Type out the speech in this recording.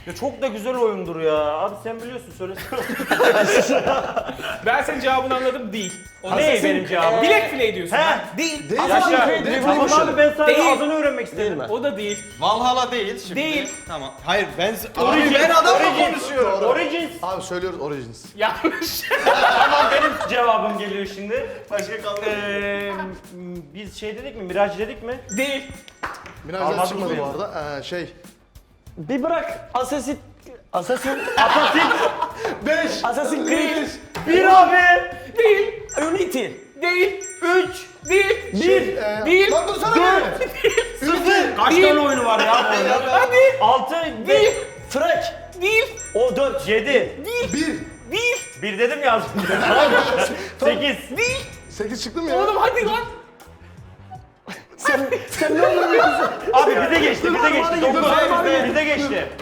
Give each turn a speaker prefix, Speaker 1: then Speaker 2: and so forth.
Speaker 1: Ya çok da güzel oyundur ya. Abi sen biliyorsun söylesene.
Speaker 2: Ben senin cevabını anladım, değil. O
Speaker 1: Ne
Speaker 2: Assassin's-
Speaker 1: benim cevabım?
Speaker 2: Black Flag diyorsun.
Speaker 1: He.
Speaker 2: ha? Değil.
Speaker 3: Değil
Speaker 1: Yaşa.
Speaker 3: abi.
Speaker 1: Tamam abi ben sadece
Speaker 2: Değil.
Speaker 1: adını öğrenmek istedim.
Speaker 3: mi?
Speaker 2: O da değil.
Speaker 4: Valhalla değil şimdi.
Speaker 2: Değil.
Speaker 4: Tamam. Hayır ben...
Speaker 1: Origins.
Speaker 4: Abi ben adamla
Speaker 1: Origins.
Speaker 4: konuşuyorum.
Speaker 1: Origins.
Speaker 3: Abi söylüyoruz Origins.
Speaker 2: Yanlış.
Speaker 1: Tamam benim cevabım geliyor şimdi.
Speaker 4: Başka kaldı.
Speaker 1: Biz şey dedik mi? Miraj dedik mi?
Speaker 2: Değil.
Speaker 3: Minajlar
Speaker 1: Almadım
Speaker 3: çıkmadı
Speaker 1: mı?
Speaker 3: bu arada.
Speaker 5: Bir bırak. Assassin
Speaker 1: Assassin.
Speaker 3: 5.
Speaker 5: Assassin's Creed.
Speaker 1: Bir abi.
Speaker 2: Değil.
Speaker 5: Unity.
Speaker 2: Değil.
Speaker 1: 3.
Speaker 2: Değil.
Speaker 1: Bir.
Speaker 2: Değil.
Speaker 3: Lan dursana bir.
Speaker 1: 0. Kaç
Speaker 2: Değil.
Speaker 1: tane oyunu var ya bu oyunda?
Speaker 2: Hadi.
Speaker 1: 6.
Speaker 2: Değil.
Speaker 5: Frank.
Speaker 2: Değil.
Speaker 5: O 4.
Speaker 1: 7.
Speaker 3: 1.
Speaker 2: Değil.
Speaker 1: 1 dedim ya az önce. 8.
Speaker 2: Değil.
Speaker 3: 8 çıktı mı ya?
Speaker 2: Oğlum hadi lan.
Speaker 5: Sen ne olur biliyorsun?
Speaker 1: Abi bize geçti, bize geçti.
Speaker 5: Hadi
Speaker 1: 9.
Speaker 5: gidelim, hadi.
Speaker 1: Bize geçti.